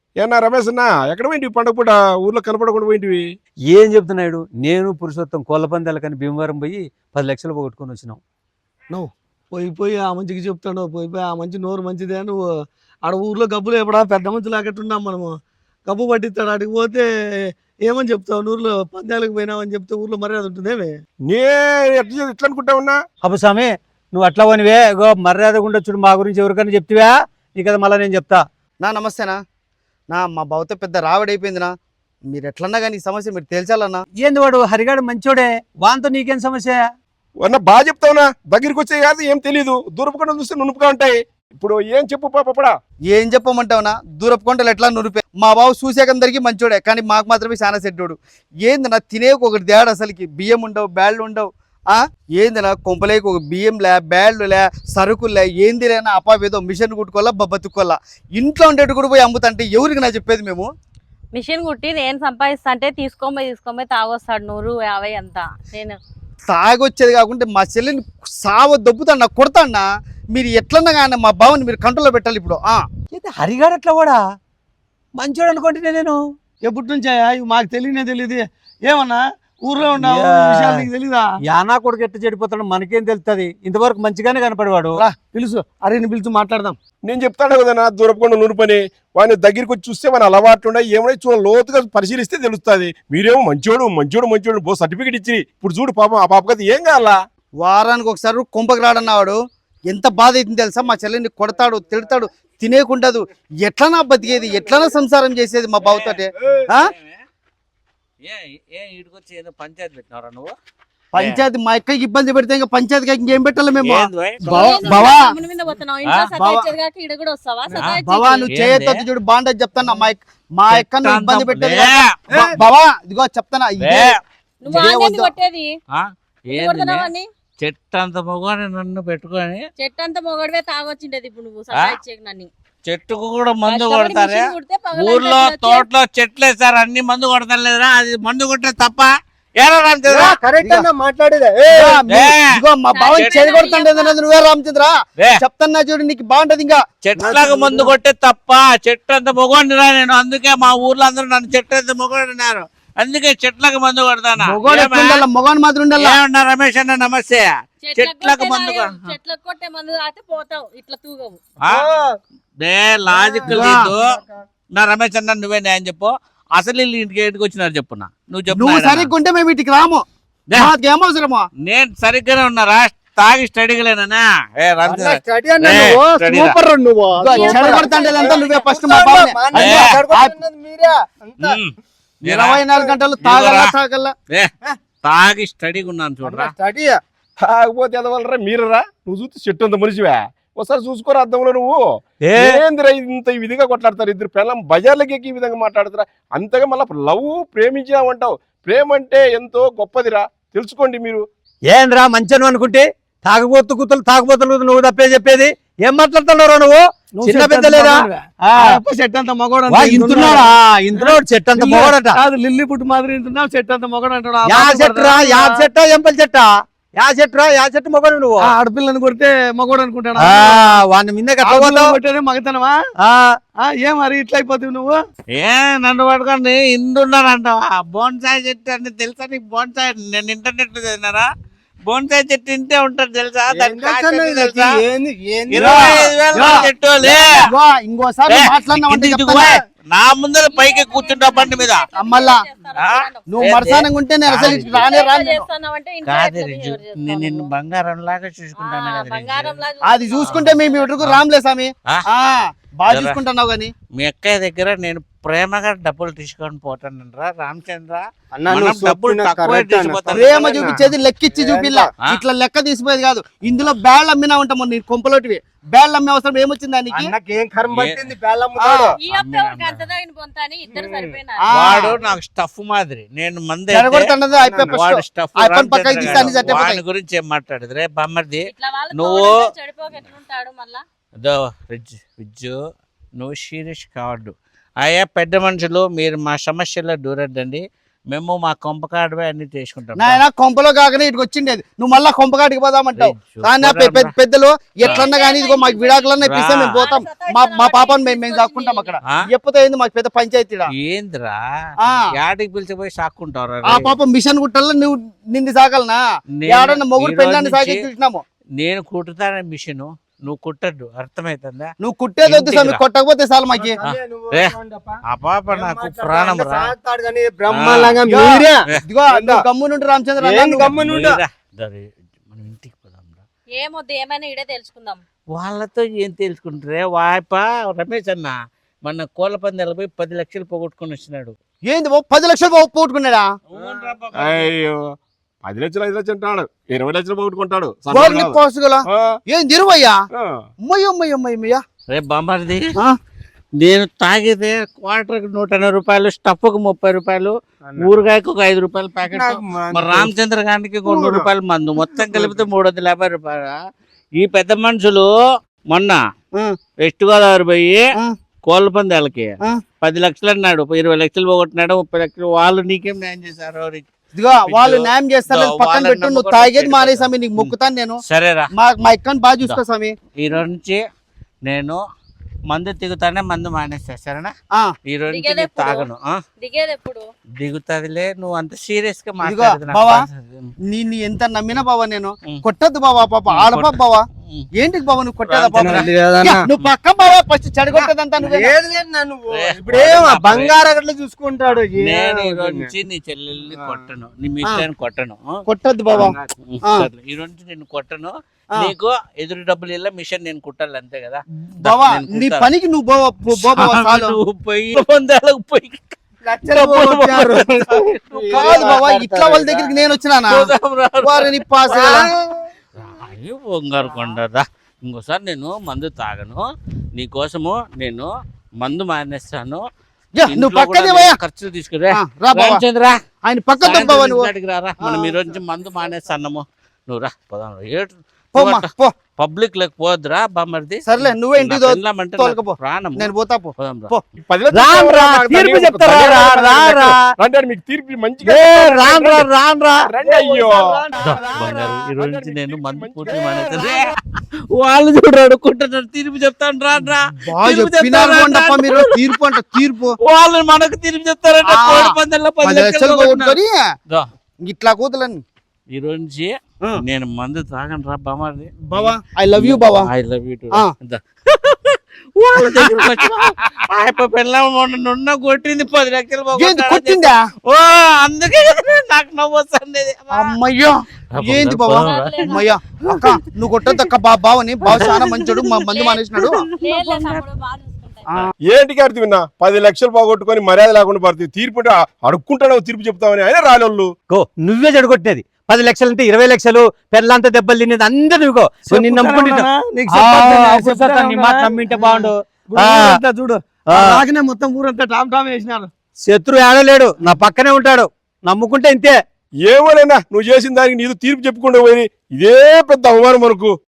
ఏనా రమేష్ అన్న ఎక్కడ పోయింటివి పండుగ పూట ఊర్లో కనపడకుండా పోయింటివి? ఏం చెప్తున్నాడు? నేను పురుషోత్తం కోళ్ళ పందాలకని భీమవరం పోయి 10 లక్షలు పోగొట్టుకొని వచ్చినాం. నువ్వు పోయి ఆ మంచికి చెప్తాడు, పోయి ఆ మంచి నోరు మంచిదే. నువ్వు ఆడ ఊర్లో గబ్బులు ఎప్పుడా పెద్ద మంచి లాగట్టున్నాం మనము. గబ్బు పట్టిస్తాడు, అడిగి పోతే ఏమని చెప్తావు? ఊర్లో పందాలకు పోయినావని చెప్తే ఊర్లో మర్యాద ఉంటుందేమే? నే ఎట్లా అనుకుంటా ఉన్నా? అబ్బు స్వామి, నువ్వు అట్లా పోనివే. మర్యాదగా ఉండొచ్చు, మా గురించి ఎవరికైనా చెప్తివా? నీ కదా మళ్ళీ నేను చెప్తా. నమస్తేనా మా బావతో పెద్ద రావడైపోయిందినా. మీరు ఎట్లన్నా కానీ ఈ సమస్య మీరు తేల్చాలన్నా. ఏంది వాడు హరిగాడు మంచోడే, వాంతో నీకేం సమస్య? అన్న బాగా చెప్తావునా, దగ్గరికి వచ్చే కాదు ఏం తెలీదు, దూరపుకుండా చూస్తే నునుపుగా ఉంటాయి. ఇప్పుడు ఏం చెప్పు పాపడా? ఏం చెప్పమంటావునా? దూరపు కొండలు ఎట్లా నురిపే. మా బావ చూసేకందరికీ మంచోడే, కానీ మాకు మాత్రమే చాలా సెట్టోడు. ఏందన్నా తినేకు ఒకటి తేడా, అసలుకి బియ్యం ఉండవు, బ్యాళ్ళు ఉండవు. ఏందినా కొంపలేకు ఒక బియ్యంలే, బ్యాళ్ళులే, సరుకులే, ఏంది లేనా అపావేదో మిషన్ కుట్టుకోవాలా, బతుక్కోవాలా. ఇంట్లో ఉండేట్టు కూడా పోయి అమ్ముతుంటే ఎవరికి నా చెప్పేది మేము? మిషన్ కుట్టి నేను సంపాదిస్తా అంటే తీసుకోపోయి తాగొస్తాడు 150 అంతా. నేను తాగొచ్చేది కాకుండా మా చెల్లిని సావ దొబ్బుతాడు, నాకు కొడతాడా. మీరు ఎట్లన్నా కానీ మా బావని మీరు కంట్రోల్లో పెట్టాలి ఇప్పుడు. హరిగాడు అట్లా కూడా మంచోడు అనుకుంటున్నా నేను. ఎప్పటి నుంచా? ఇవి మాకు తెలియదు. ఏమన్నా ఊర్లో ఉన్నావు, విషయాలు నీకు తెలీదా? యానా కొడుకు ఎట్లా చెడిపోతాడు మనకేం తెలుస్తుంది? ఇంతవరకు మంచిగానే కనపడేవాడు. పిలుసు, అరే పిలుచు మాట్లాడదాం. నేను చెప్తాను కదన్నా, దూరపుకుండా నునుపని. వాడిని దగ్గరికి వచ్చి చూస్తే మన అలవాట్లు ఉన్నాయి, ఏమైనా లోతుగా పరిశీలిస్తే తెలుస్తుంది. మీరేమో మంచోడు బో సర్టిఫికేట్ ఇచ్చి ఇప్పుడు చూడు పాపం ఆ పాప కదా ఏం కావాలా? వారానికి ఒకసారి కొంపకి రాడన్నావాడు. ఎంత బాధ అవుతుంది తెలుసా? మా చెల్లిని కొడతాడు, తిడతాడు, తినేకుండదు. ఎట్లనా బతికేది, ఎట్లనా సంసారం చేసేది మా బావతోటే? పంచాయతీ మా అక్కకి ఇబ్బంది పెడితే ఇంకా పంచాయతీకి ఇంకేం పెట్టాలి మేము? బావా నువ్వు చేయొద్దు చూడు, బాగుండదు చెప్తాను. మా అక్క నువ్వు ఇబ్బంది పెట్టేది బావా, ఇదిగో చెప్తానా. చెట్టంత మొగని నన్ను పెట్టుకొని చెట్టంత మొగడివే తాగొచ్చిండేది. ఇప్పుడు నువ్వు సతాయిచ్చేకి నన్ను. చెట్టుకు కూడా మందు కొడతారే? ఊర్లో తోటలో చెట్లు వేసారు, అన్ని మందు కొడతారు లేదురా? అది మందు కొట్టే తప్ప మా బావని చెడు కొడుతుండేది నువ్వే రామచంద్ర. చెప్తాన్నా చూడు, నీకు బాగుంటది. ఇంకా చెట్లకు మందు కొట్టే తప్ప చెట్టు అంత మొగోడిరా నేను. అందుకే మా ఊర్లో అందరూ నన్ను చెట్టు అంత మొగోడినారు, అందుకే చెట్లకు మందు కొడతానా. మొగోని మాత్రం ఉండాలి. రమేష్ అన్న నమస్తే. చెట్లకు మందు చెట్లకు కొట్టే మందు అయితే పోతావు, ఇట్లా తూగవు. లాజిక్ లేదు నా. రమేష్ అన్న నువ్వే న్యాయం చెప్పు. అసలు వీళ్ళు ఇంటికి ఎందుకు వచ్చినారు చెప్పున్నా? నువ్వు చెప్పు. నువ్వు సరిగ్గా ఉంటే మేము ఇంటికి రాము, ఏమవసరమా? నేను సరిగ్గానే ఉన్నారా? తాగి స్టడీగా లేనా? నువ్వే ఫస్ట్ మా బావని 24 గంటలు తాగల్లా. తాగి స్టడీగా ఉన్నాను చూడరా. తాగపోతే ఎదవలరా మీరరా? నువ్వు చూస్తే చెట్టు అంత మనిషివా? ఒకసారి చూసుకోరా అద్దంలో. నువ్వు ఏందిరా ఇంత ఈ విధంగా కొట్లాడతారు ఇద్దరు పిల్లలు? బజార్లకి ఈ విధంగా మాట్లాడతారా? అంతగా మళ్ళీ లవ్ ప్రేమించామంటావు. ప్రేమ అంటే ఎంతో గొప్పదిరా, తెలుసుకోండి మీరు. ఏంద్రా మంచను అనుకుంటే తాగుబోతులు నువ్వు తప్పే చెప్పేది? ఏం మాట్లాడుతున్నారా నువ్వు? చిన్న పెద్ద లేదా? చెట్టు అంత మగోడు ఇంటున్నాడా? ఇంటున్నాడు చెట్టు అంత మొగడట. లిల్లీ పుట్టు మాదిరి ఇంటున్నావు, చెట్టు అంత మొగడు అంటాడు. యా చెట్టురా? యా చెట్టా? ఎంపల్ చెట్టా? యా చెట్టు మొగడు నువ్వు? ఆడపిల్లని కొడితే మగోడు అనుకుంటాడు. వాడిని మీద కొట్టేదే మగతనమా? ఏ మరి ఇట్లా అయిపోతావు నువ్వు? నన్ను పట్టుకోండి ఇంటున్నారంటావా? బోన్సాయి చెట్టు అంటే తెలుసా నీకు? బోన్సాయి నేను ఇంటర్నెట్ లో చదివినారా? బోన్సాయి చెట్టు ఇంటే ఉంటాడు తెలుసా? ఇంకోసారి నా ముందర పైకి కూర్చుంటా బండి మీద. మళ్ళా నువ్వు మరసానంగా ఉంటే నేను అసలు కాదు, నేను నిన్ను బంగారం లాగా చూసుకుంటాను కదా. అది చూసుకుంటే మేము ఇటుకు రామ్లే స్వామి, బాగా చూసుకుంటున్నావు కానీ. మీ అక్కయ్య దగ్గర నేను ప్రేమగా డబ్బులు తీసుకొని పోతానంటరా రామచంద్ర. ప్రేమ చూపించేది లెక్కిచ్చి చూపిల్లా, ఇట్లా లెక్క తీసిపోయేది కాదు. ఇందులో బ్యాళ్ళు అమ్మినా ఉంటాము నీ కొంపలోటివి. బ్యాళ్ళు అమ్మే అవసరం ఏమొచ్చింది దానికి? వాడు నాకు స్టఫ్ మాదిరి, నేను మంది గురించి ఏం మాట్లాడదు రే బామ్మర్ది. నువ్వు విజ్జు నువ్వు సీరియస్ కావద్దు. అయ్యా పెద్ద మనుషులు, మీరు మా సమస్యలో దూరద్దండి. మేము మా కొంపకాడవే అన్ని చేసుకుంటాం నాయన కొంపలో కాకనే ఇటుకు వచ్చిండేది నువ్వు మళ్ళా కొంపకాటికి పోదామంటావు కానీ ఆ పెద్దలు ఎట్లన్నా కానీ ఇదిగో మాకు విడాకులన్నా ఇప్పిస్తే మేము పోతాం మా పాపను మేము దాక్కుంటాం అక్కడ ఎప్పుడో ఏంది మాకు పెద్ద పంచాయతీడా ఏందిరా ఆ. యాడికి పిలిచిపోయి సాక్కుంటారా ఆ పాప మిషన్ కుట్టల్లో నువ్వు నింది సాగలనా నేను ఏడన్నా మొగుడు ఈ రోజు పెళ్ళాన్ని సాగి నుంచి చూసినాము నేను కుట్టుతానే మిషన్ నువ్వు కుట్టద్దు అర్థమైతుందా నువ్వు కుట్టేది వద్దు స్వామి ఇంటికి కొట్టకపోతే చాలు మాకి ఏ, ఆ పాప నాకు ప్రాణం రా బ్రహ్మాండంగా మీరే ఇదిగో నువ్వు గమ్మునుండు రామచంద్ర అన్న, ఏంది నువ్వు- గమ్మునుండా? రా, దరి, మనం ఇంటికి పోదాం రా. ఏమొద్దు ఏమైనా ఇడే తెలుసుకుందాం. వాళ్ళతో ఏం తెలుసుకుంటారే వాయప రమేష్ అన్న మన కోళ్ళ పందాలు పోయి 10 లక్షలు పోగొట్టుకొని వచ్చినాడు ఏంది బాబు 10 లక్షలు పోగొట్టుకున్నాడా అయ్యో 10 లక్షలు 5 లక్షలు అంటాడు 20 లక్షలు పోగొట్టుకుంటాడు గోర్ని పోసుగల ఏం తిరువయ్యా ఆ. అమ్మయ్యమ్మయ్యమ్మయ్యా రే బామ్మర్ది నేను తాగితే క్వార్టర్కి 180 రూపాయలు స్టఫ్కు 30 రూపాయలు ఊరగాయకు ఒక 5 రూపాయలు ప్యాకెట్ మరి రామచంద్ర గారికి 100 రూపాయలు మందు మొత్తం కలిపితే 350 రూపాయలు ఈ పెద్ద మనుషులు మొన్న వెస్ట్ గోదావరి పోయి కోళ్ళ పందాలకి 10 లక్షలు అన్నాడు 20 లక్షలు పోగొట్టినాడు 30 లక్షలు వాళ్ళు నీకేం న్యాయం చేశారు ఇదిగో వాళ్ళు న్యాయం చేస్తారు పక్కన వాళ్ళని పెట్టు నువ్వు నమ్ముకొని తాగేది పెట్టుకో. మానే స్వామి నీకు మొక్కుతాను నేను సరేరా మా ఎక్కని బాగా చూసుకో స్వామి ఈ రోజు నుంచి నేను మందు దిగుతానే మందు మానేస్తా సరేనా ఆ, ఈ రోజు నుంచి దిగేది నేను తాగను ఆ? దిగేది ఎప్పుడు? దిగుతాదిలే నువ్వు అంత సీరియస్ గా ఇదిగో, మాట్లాడదు బావా. నీ ఎంత నమ్మినా బావా నేను కొట్టద్దు బావా పాప ఆడపా బావా ఏంటికి బావా నువ్వు కొట్టేదా బాబా నువ్వు పక్క బావా ఫస్ట్ చెడగొట్టేదంతా నువ్వే ఇప్పుడేం బంగారు చూసుకుంటాడు నేను ఈ రోజు నుంచి నీ చెల్లెల్ని కొట్టను నీ మిస్టర్ కొట్టను ఆ? కొట్టద్దు బావా సర్లే. ఈ రోజు నుంచి నేను కొట్టను నీకు ఎదురు డబ్బులు ఇల్ల మిషన్ నేను కుట్టాలి అంతే కదా బావా నేను నీ కుట్టాలి. పనికి నువ్వు బావా చాలు నువ్వు పోయి పొందాలకు పోయి కాదు బావా ఇట్లా వాళ్ళ దగ్గరికి నేను వచ్చినానా వారిని పాస్ అయ్యో బంగారు కొండదా ఇంకోసారి నేను మందు తాగను నీకోసము నేను మందు మానేస్తాను నువ్వు ఇంట్లో పక్కనే కూడా పోయా నేను ఖర్చులు తీసుకురా రా బావా రామచంద్ర ఆయన పక్క బావా నువ్వు రారా మనం ఈ రోజు నుంచి మందు మానేస్తాము నువ్వు రా పోదాం పోమ్మా, పో పబ్లిక్ లేక పోద్దురా బామ్మర్ది సర్లే నువ్వే ఇంటికి వెళ్ళామంటే తోలుకపో. ప్రాణం నేను పోతా పో పోదాం రా. పో. 10 లక్షలు రామ్రా, నాకు తీర్పు దండిగా చెప్తారా? దండిగా రా, రా. రండి అని మీకు తీర్పు మంచిగా రాన్రా రండి అయ్యో బంగారు ఈ రోజు నుంచి నేను మందు పూర్తి మానేస్తాను వాళ్ళు చూడు అడుక్కుంటున్నారు తీర్పు చెప్తాను రాడ్రా బాగా తీర్పు చెప్పినారు చెప్తారా? కొండప్ప మీరు తీర్పు అంట తీర్పు వాళ్ళు మనకు తీర్పు చెప్తారంటే ఆ. కోడి పందాల్లో 10 10 లక్షలు లక్షలు పోగొట్టుకొని దా. ఇట్లా కూతులని ఈ రోజు నుంచి నేను మందు తాగను రా బామారి బావా ఐ లవ్ యూ బావా ఐ లవ్ యూ ఆ. వాళ్ళ దగ్గరకు వచ్చి ఆయప్ప పిల్ల నున్న కొట్టింది 10 లక్షలు ఏంది పోగొట్టాడని కొట్టిందా ఓ అందుకే కదా నాకు నవ్వు వస్తుంది అమ్మయ్యో ఏంది బావా అమ్మయ్యా అక్క నువ్వు కొట్టద్దు అక్క బావని బావ చాలా మంచోడు మందు మానేసినాడు లేదులే తమ్ముడు, బాగా చూసుకుంటా. ఏంటి అర్థం విన్నా 10 లక్షలు పోగొట్టుకొని మర్యాద లేకుండా పడుతుంది తీర్పు అంటే అడుక్కుంటాడు తీర్పు చెప్తామని ఆయన రాలోళ్ళు నువ్వే చెడగొట్టేది 10 లక్షలు అంటే 20 లక్షలు పెళ్ళంతా దెబ్బలు తినేది అందరు నువ్వు నిన్ను నమ్ముకుంటా నీ మాట నమ్మింటే బాగుండు చూడు ఆ. నాకనే మొత్తం ఊరంతా టామ్ టామ్ వేసినారు శత్రు ఏడలేడు నా పక్కనే ఉంటాడు నమ్ముకుంటే ఇంతే ఏమోనైనా నువ్వు చేసిన దానికి నీతో తీర్పు చెప్పుకుంటూ పోయి ఇదే పెద్ద అవమానం మనకు